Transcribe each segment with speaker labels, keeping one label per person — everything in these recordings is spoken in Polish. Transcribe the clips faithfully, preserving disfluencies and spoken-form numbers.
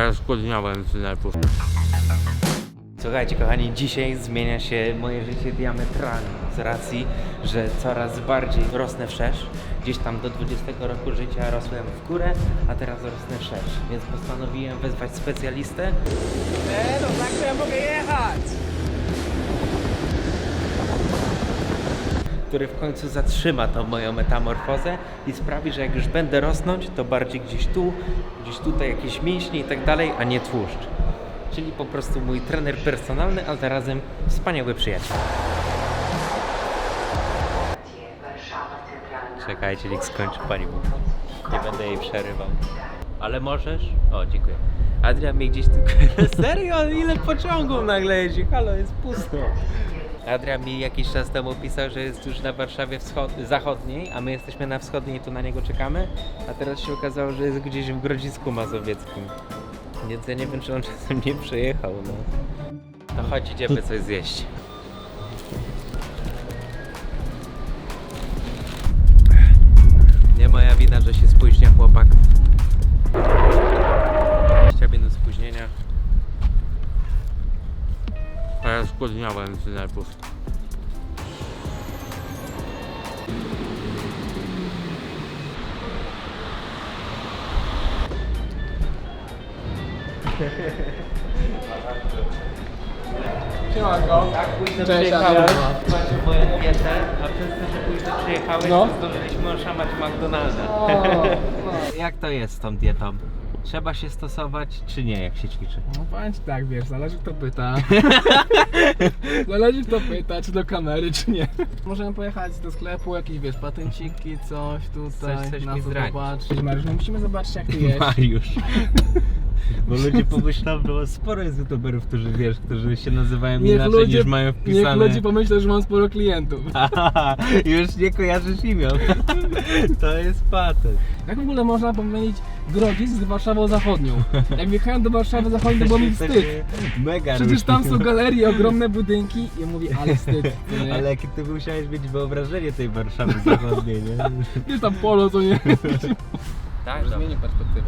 Speaker 1: ja skłodniałem z nerwów. Słuchajcie kochani, dzisiaj zmienia się moje życie diametralnie z racji, że coraz bardziej rosnę wszerz. Gdzieś tam do dwudziestego roku życia rosłem w górę, a teraz rosnę wszerz. Więc postanowiłem wezwać specjalistę.
Speaker 2: E, no tak to ja mogę jechać!
Speaker 1: Który w końcu zatrzyma tą moją metamorfozę i sprawi, że jak już będę rosnąć, to bardziej gdzieś tu, gdzieś tutaj jakieś mięśnie i tak dalej, a nie tłuszcz. Czyli po prostu mój trener personalny, a zarazem wspaniały przyjaciel. Czekajcie, niech skończy pani mówi. Nie będę jej przerywał. Ale możesz? O, dziękuję. Adrian mnie gdzieś tylko... Serio? Ile pociągów nagle jeździ? Halo, jest pusto. Adrian mi jakiś czas temu pisał, że jest już na Warszawie wschod... zachodniej, a my jesteśmy na wschodniej i tu na niego czekamy. A teraz się okazało, że jest gdzieś w Grodzisku Mazowieckim. Więc ja nie wiem, czy on czasem nie przyjechał, no. To chodź, idziemy coś zjeść. Nie moja wina, że się spóźnia chłopak. dwadzieścia minut spóźnienia. A ja spóźniałem z nerwów.
Speaker 2: Siemanko.
Speaker 1: Tak, późno
Speaker 2: Cześć,
Speaker 1: przyjechałeś,
Speaker 2: Adrian.
Speaker 1: zobaczył moją dietę, a przez to, że późno przyjechałeś,
Speaker 2: No.
Speaker 1: to zdążyliśmy oszamać McDonalda.
Speaker 2: O, no.
Speaker 1: Jak to jest z tą dietą? Trzeba się stosować, czy nie, jak się ćwiczy?
Speaker 2: No powiem ci tak, wiesz, zależy kto pyta. Zależy kto pyta, czy do kamery, czy nie. Możemy pojechać do sklepu, jakieś wiesz, patenciki, coś tutaj,
Speaker 1: Coś- coś
Speaker 2: na
Speaker 1: mi
Speaker 2: co
Speaker 1: zdradzić.
Speaker 2: zobaczyć. Mariusz, no musimy zobaczyć jak ty jesz.
Speaker 1: Mariusz. Bo ludzie pomyślą, że sporo jest youtuberów, którzy wiesz, którzy się nazywają inaczej niż mają
Speaker 2: niech
Speaker 1: wpisane.
Speaker 2: ludzie pomyślą, że mam sporo klientów.
Speaker 1: Aha, już nie kojarzysz imion. To jest patent.
Speaker 2: Jak w ogóle można pomylić Grodzisk z Warszawą Zachodnią? Jak wjechałem do Warszawy Zachodniej, to było mi wstyd.
Speaker 1: Mega
Speaker 2: Przecież
Speaker 1: różni.
Speaker 2: tam są galerie, ogromne budynki i ja mówię, ale wstyd. co nie?
Speaker 1: Ale jakie ty musiałeś mieć wyobrażenie tej Warszawy zachodniej, nie?
Speaker 2: Wiesz tam polo, co nie?
Speaker 1: Tak,
Speaker 2: Zmienię perspektywę.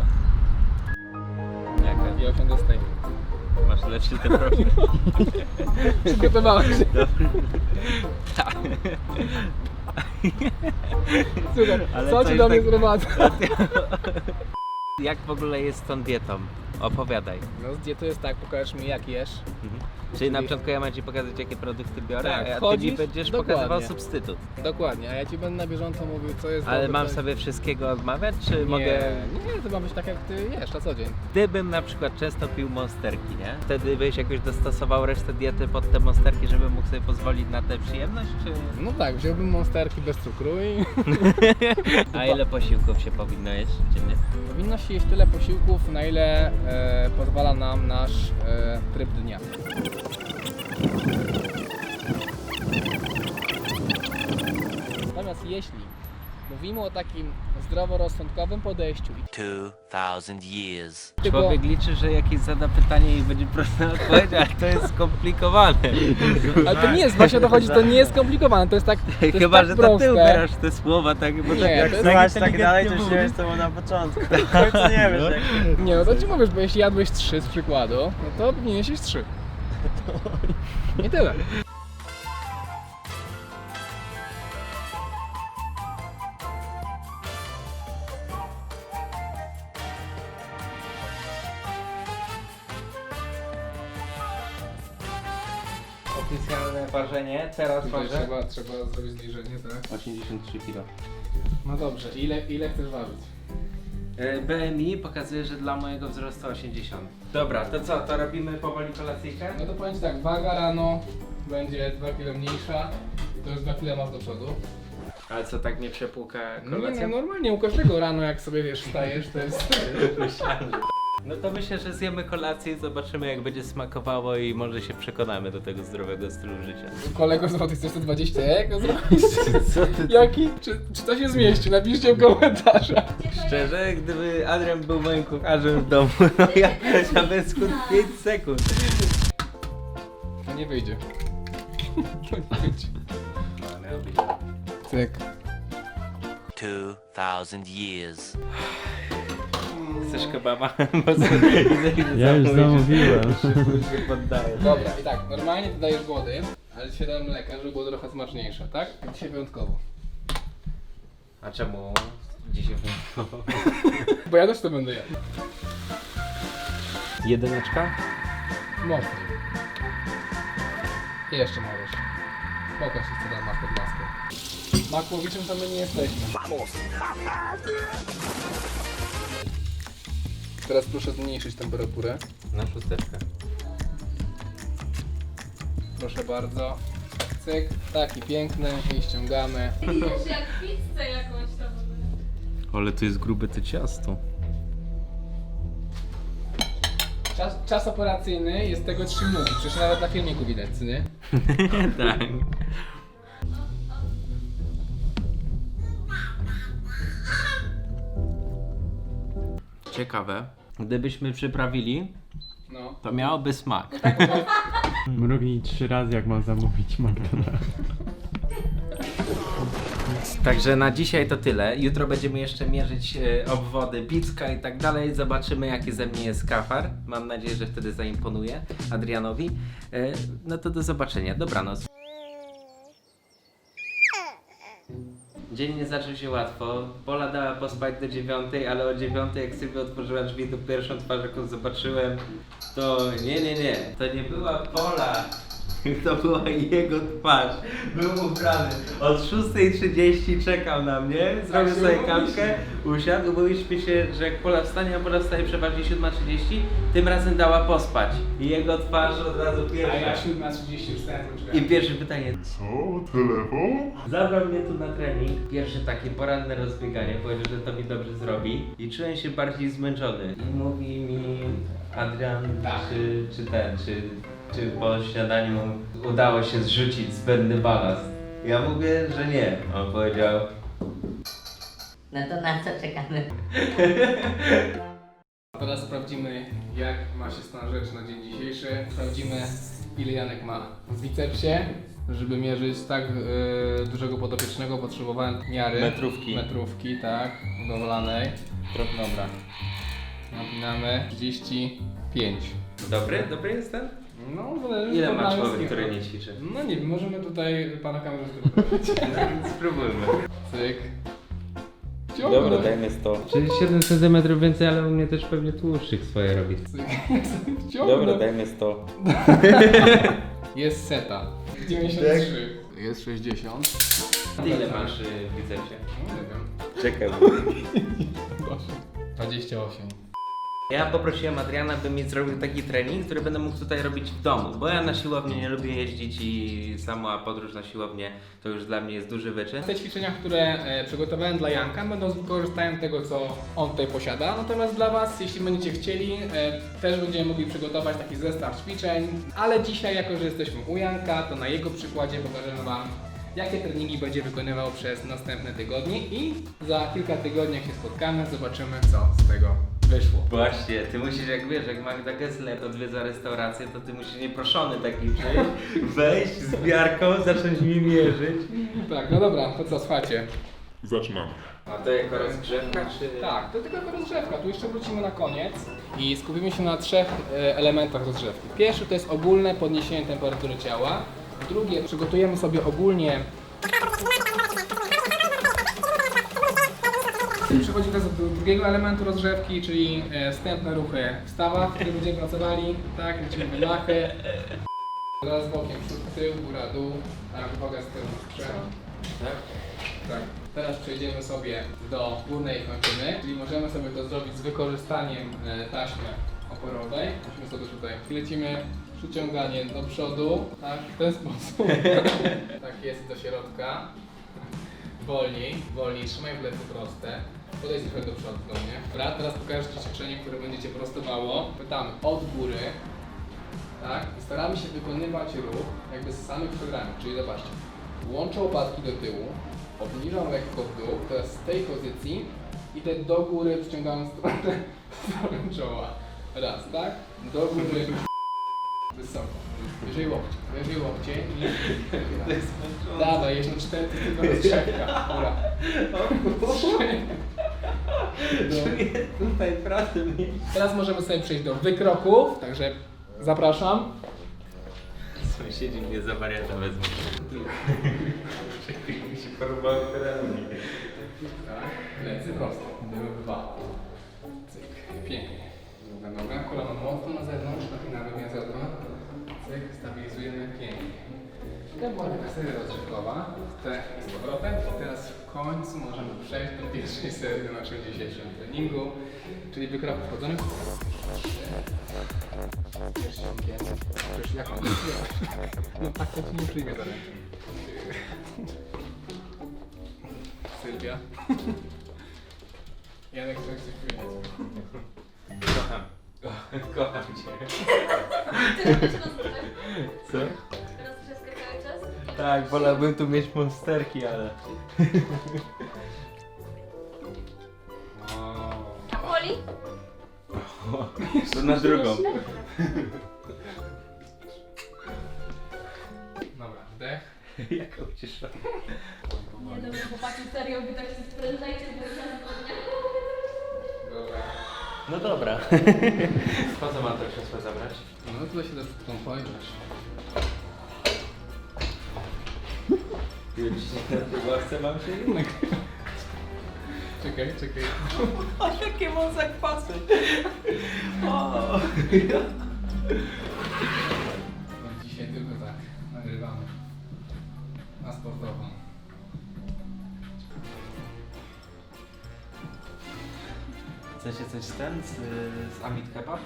Speaker 1: Jaka?
Speaker 2: I osiądę z tej.
Speaker 1: Masz lepszy ten profil.
Speaker 2: Przygotowałem się. Słuchaj,
Speaker 1: Ale
Speaker 2: co
Speaker 1: coś
Speaker 2: ci do mnie
Speaker 1: tak-
Speaker 2: sprowadza?
Speaker 1: Jak w ogóle jest z tą dietą? Opowiadaj.
Speaker 2: No z diety jest tak, pokażesz mi jak jesz.
Speaker 1: Mhm. Czyli na początku ja mam ci pokazać, jakie produkty biorę,
Speaker 2: Tak,
Speaker 1: a ty mi
Speaker 2: wchodzisz,
Speaker 1: będziesz
Speaker 2: dokładnie.
Speaker 1: pokazywał substytut.
Speaker 2: Dokładnie, a ja ci będę na bieżąco mówił co jest
Speaker 1: Ale
Speaker 2: dobre,
Speaker 1: mam
Speaker 2: co
Speaker 1: sobie wszystkiego odmawiać, czy
Speaker 2: nie,
Speaker 1: mogę...
Speaker 2: Nie, to ma być tak jak ty jesz na co dzień.
Speaker 1: Gdybym na przykład często pił monsterki, nie? Wtedy byś jakoś dostosował resztę diety pod te monsterki, żebym mógł sobie pozwolić na tę przyjemność, czy...
Speaker 2: No tak, wziąłbym monsterki bez cukru i
Speaker 1: A ile posiłków się powinno jeść dziennie?
Speaker 2: powinno się jeść tyle posiłków, na ile e, pozwala nam nasz e, tryb dnia. Natomiast jeśli mówimy o takim zdroworozsądkowym podejściu i
Speaker 3: Two thousand years.
Speaker 2: tylko
Speaker 1: Człowiek liczy, że jakieś zada pytanie i będzie prosta odpowiedź, ale to jest skomplikowane.
Speaker 2: ale to nie jest, właśnie o to chodzi, to nie jest skomplikowane, to jest tak, to jest
Speaker 1: Chyba,
Speaker 2: tak
Speaker 1: że to
Speaker 2: proste.
Speaker 1: ty ubierasz te słowa, tak? Bo
Speaker 2: Nie,
Speaker 1: tak
Speaker 2: to
Speaker 1: jak
Speaker 2: jest-
Speaker 4: Słuchać tak
Speaker 1: inteligentnie
Speaker 4: dalej, to już
Speaker 1: mówisz.
Speaker 4: nie jest to na początku. W końcu nie wiesz jak...
Speaker 2: Nie, no to ci mówisz, bo jeśli jadłeś trzy z przykładu, no to powinieneś jeść trzy. I tyle.
Speaker 1: Oficjalne ważenie, teraz ważę
Speaker 2: Trzeba, trzeba zrobić zbliżenie, tak?
Speaker 1: osiemdziesiąt trzy kilo.
Speaker 2: No dobrze, ile, ile chcesz ważyć?
Speaker 1: E, B M I pokazuje, że dla mojego wzrostu osiemdziesiąt. Dobra, to co, to robimy powoli kolacyjkę?
Speaker 2: No to powiem ci tak, waga rano będzie dwa kilo mniejsza, to już dwa kilo masz do przodu.
Speaker 1: Ale co, tak nie przepłuka
Speaker 2: No nie,
Speaker 1: kolacja?
Speaker 2: no normalnie u każdego rano jak sobie wiesz, wstajesz, to jest...
Speaker 1: No to myślę, że zjemy kolację i zobaczymy jak będzie smakowało i może się przekonamy do tego zdrowego stylu życia.
Speaker 2: Kolego złotych, chcesz sto dwadzieścia eko zrobić?
Speaker 1: Co ty?
Speaker 2: Jaki? Czy, czy to się zmieści? Napiszcie w komentarzach.
Speaker 1: Szczerze, gdyby Adrian był moim kucharzem w domu, no ja za bez skut pięć sekund.
Speaker 2: To nie wyjdzie. To nie wyjdzie.
Speaker 1: No, miał być.
Speaker 2: Cyk.
Speaker 3: Two thousand years.
Speaker 1: Chcesz kebaba? Bo co- idę- idę
Speaker 5: Ja już
Speaker 1: zamówić,
Speaker 5: zamówiłem.
Speaker 1: Szybko się poddaję.
Speaker 2: Dobra, i tak, normalnie dodajesz wody, ale dzisiaj dam mleka, żeby było trochę smaczniejsze, tak? Dzisiaj wyjątkowo.
Speaker 1: A czemu dzisiaj wyjątkowo?
Speaker 2: Bo ja też to będę jadł.
Speaker 1: Jedyneczka?
Speaker 2: Można. I jeszcze możesz. Pokaż się, co tam masz pod maską. Makłowiczem to my nie jesteśmy. Teraz proszę zmniejszyć temperaturę.
Speaker 1: Na szósteczkę.
Speaker 2: Proszę bardzo. Cyk, taki piękny i ściągamy.
Speaker 6: Już jak pizzę jakąś tam.
Speaker 1: Ale to jest grube to ciasto.
Speaker 2: Czas, czas operacyjny jest tego trzy minuty, przecież nawet na filmiku widać, co nie?
Speaker 1: Tak. Ciekawe. Gdybyśmy przyprawili,
Speaker 2: No.
Speaker 1: to miałoby smak.
Speaker 5: Mrugnij trzy razy, jak mam zamówić McDonald's.
Speaker 1: Także na dzisiaj to tyle. Jutro będziemy jeszcze mierzyć e, obwody, picka i tak dalej. Zobaczymy, jaki ze mnie jest kafar. Mam nadzieję, że wtedy zaimponuje Adrianowi. E, no to do zobaczenia. Dobranoc. Dzień nie zaczął się łatwo. Pola dała pospać do dziewiątej, ale o dziewiątej, jak sobie otworzyła drzwi, to pierwszą twarz, jaką zobaczyłem, to nie, nie, nie. To nie była Pola. To była jego twarz. Był ubrany. Od szóstej trzydzieści czekał na mnie, zrobił
Speaker 2: się
Speaker 1: sobie
Speaker 2: umówiliśmy.
Speaker 1: kawkę, usiadł, umówiliśmy się, że jak Pola wstanie, a Pola wstaje przeważnie siódma trzydzieści, tym razem dała pospać. I jego twarz od razu
Speaker 2: A
Speaker 1: pierwsza.
Speaker 2: ja siódma trzydzieści już stałem
Speaker 1: I pierwsze pytanie. Co? Telefon? Zabrał mnie tu na trening. Pierwsze takie poranne rozbieganie. Powiedział, że to mi dobrze zrobi. I czułem się bardziej zmęczony. I mówi mi Adrian,
Speaker 2: Tak.
Speaker 1: czy, czy ten, czy, czy po śniadaniu udało się zrzucić zbędny balast. Ja mówię, że nie. On powiedział,
Speaker 7: No to na co czekamy?
Speaker 2: Teraz sprawdzimy, jak ma się stan rzeczy na dzień dzisiejszy. Sprawdzimy, ile Janek ma w bicepsie. Żeby mierzyć tak e, dużego podopiecznego, potrzebowałem miary.
Speaker 1: Metrówki.
Speaker 2: Metrówki, tak, budowlanej. Dobra. Napinamy trzydzieści pięć.
Speaker 1: dobry? Dobry jest ten?
Speaker 2: No, zależy
Speaker 1: Ile
Speaker 2: od
Speaker 1: ma
Speaker 2: małych
Speaker 1: człowiek,
Speaker 2: skill.
Speaker 1: który nie ćwiczy?
Speaker 2: No nie wiem, możemy tutaj pana kamerzysty poprosić.
Speaker 1: Spróbujmy.
Speaker 2: Cyk. Ciągle.
Speaker 1: Dobra, dajmy sto. Czyli siedem centymetrów więcej, ale u mnie też pewnie tłuszczyk swoje robi.
Speaker 2: Cyk. Ciągle.
Speaker 1: dajmy sto.
Speaker 2: Jest seta. dziewięćdziesiąt trzy. Jest sześćdziesiąt.
Speaker 1: Ty ile masz y, w bicepsie?
Speaker 2: No nie wiem.
Speaker 1: Czekaj.
Speaker 2: dwadzieścia osiem.
Speaker 1: Ja poprosiłem Adriana, by mi zrobił taki trening, który będę mógł tutaj robić w domu, bo ja na siłownię nie lubię jeździć i sama podróż na siłownię to już dla mnie jest duży wyczyn.
Speaker 2: Te ćwiczenia, które e, przygotowałem dla Janka, będą z wykorzystaniem tego, co on tutaj posiada. Natomiast dla Was, jeśli będziecie chcieli, e, też będziemy mogli przygotować taki zestaw ćwiczeń. Ale dzisiaj, jako że jesteśmy u Janka, to na jego przykładzie pokażemy Wam, jakie treningi będzie wykonywał przez następne tygodnie i za kilka tygodni, jak się spotkamy, zobaczymy, co z tego wyszło.
Speaker 1: Właśnie, ty musisz, jak wiesz, jak Magda Gessler odwiedza restaurację, to ty musisz nieproszony taki przyjść, wejść z miarką, zacząć mi mierzyć.
Speaker 2: Tak, no dobra, to co, słuchajcie.
Speaker 8: Zaczynamy.
Speaker 1: A to jako rozgrzewka, czy...
Speaker 2: Tak, to tylko rozgrzewka, tu jeszcze wrócimy na koniec i skupimy się na trzech e, elementach rozgrzewki. Pierwszy to jest ogólne podniesienie temperatury ciała. Drugie, przygotujemy sobie ogólnie... Przechodzimy teraz do drugiego elementu rozgrzewki, czyli e, wstępne ruchy w stawach, w których będziemy pracowali, tak, lecimy wydachy. Teraz bokiem, przód, tył, góra, dół, tak, uwaga z tyłu, przed.
Speaker 1: Tak?
Speaker 2: Tak. Teraz przejdziemy sobie do górnej kończyny, czyli możemy sobie to zrobić z wykorzystaniem e, taśmy oporowej. Musimy sobie tutaj lecimy przyciąganie do przodu, tak, w ten sposób. Tak jest do środka. Wolniej, wolniej, trzymaj plecy proste. Podejdź trochę do przodu do mnie. Dobra, teraz pokażę Ci ćwiczenie, które będziecie prostowało. Pytamy od góry, tak, i staramy się wykonywać ruch jakby z samych programów, czyli zobaczcie. Łączę łopatki do tyłu, obniżam lekko w dół, teraz z tej pozycji idę do góry, przyciągam stronę, stronę czoła. Raz, tak? Do góry, wysoko. Wyżej łokcie, wyżej łokcie i... Dawaj, jeszcze cztery, to jest tylko rozgrzewka. Dobra. Trzy,
Speaker 1: Czuję tutaj pracę mnie.
Speaker 2: Teraz możemy sobie przejść do wykroków, także zapraszam.
Speaker 1: Sąsiedzi mnie za wariata wezmą. Czekaj, mi się porwały tereny.
Speaker 2: Tak, plecy prosto. Dymy dwa. Cyk, pięknie. Druga noga, kolano mocno na zewnątrz, napinamy miazodno. Cyk, stabilizujemy pięknie. To była taka seria rozgrzewkowa. Te z powrotem. I teraz w końcu możemy przejść do pierwszej serii na naszym dzisiejszym treningu, czyli wykroku wchodzonych. Pierścionkiem. Przecież jak on no tak to ci nie przyjmie za rękę. Sylwia. Janek, chcesz coś powiedzieć?
Speaker 1: Kocham. Kocham cię.
Speaker 6: Teraz się rozmawiam.
Speaker 1: Co?
Speaker 6: Teraz wszystko cały czas?
Speaker 1: Tak, wolałbym tu mieć monsterki, ale...
Speaker 6: A Poli?
Speaker 1: To na drugą.
Speaker 2: Dobra, wdech.
Speaker 1: Jaka ucieszona.
Speaker 6: Nie dobra, chłopaki, serio, wy tak się sprężajcie, bo ja
Speaker 2: Dobra.
Speaker 1: No dobra. Po co mam to krzesło zabrać?
Speaker 2: No tutaj się też chcą pojrzeć.
Speaker 1: Już się na chce mam się jednak.
Speaker 2: Czekaj, czekaj.
Speaker 1: O, jakie mam zakwasy. O.
Speaker 2: No dzisiaj tylko tak, nagrywamy. Na sportową.
Speaker 1: Chcecie coś z ten? Z, z Amit Kebab?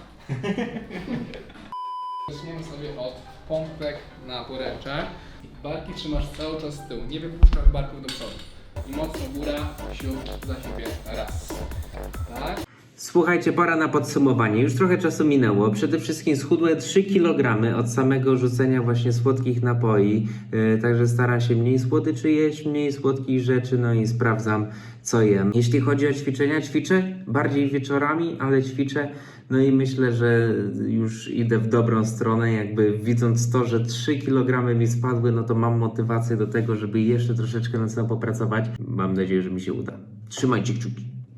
Speaker 2: Zaczniemy sobie od pompek na poręcze. Barki trzymasz cały czas z tyłu, nie wypuszczasz barków do przodu. I mocno góra, siód, za siebie, raz. Tak?
Speaker 8: Słuchajcie, pora na podsumowanie. Już trochę czasu minęło. Przede wszystkim schudłem trzy kilogramy od samego rzucenia właśnie słodkich napoi. Yy, także staram się mniej słodyczy jeść, mniej słodkich rzeczy, no i sprawdzam, co jem. Jeśli chodzi o ćwiczenia, ćwiczę bardziej wieczorami, ale ćwiczę. No i myślę, że już idę w dobrą stronę. Jakby widząc to, że trzy kilogramy mi spadły, no to mam motywację do tego, żeby jeszcze troszeczkę nad sobą popracować. Mam nadzieję, że mi się uda. Trzymajcie kciuki.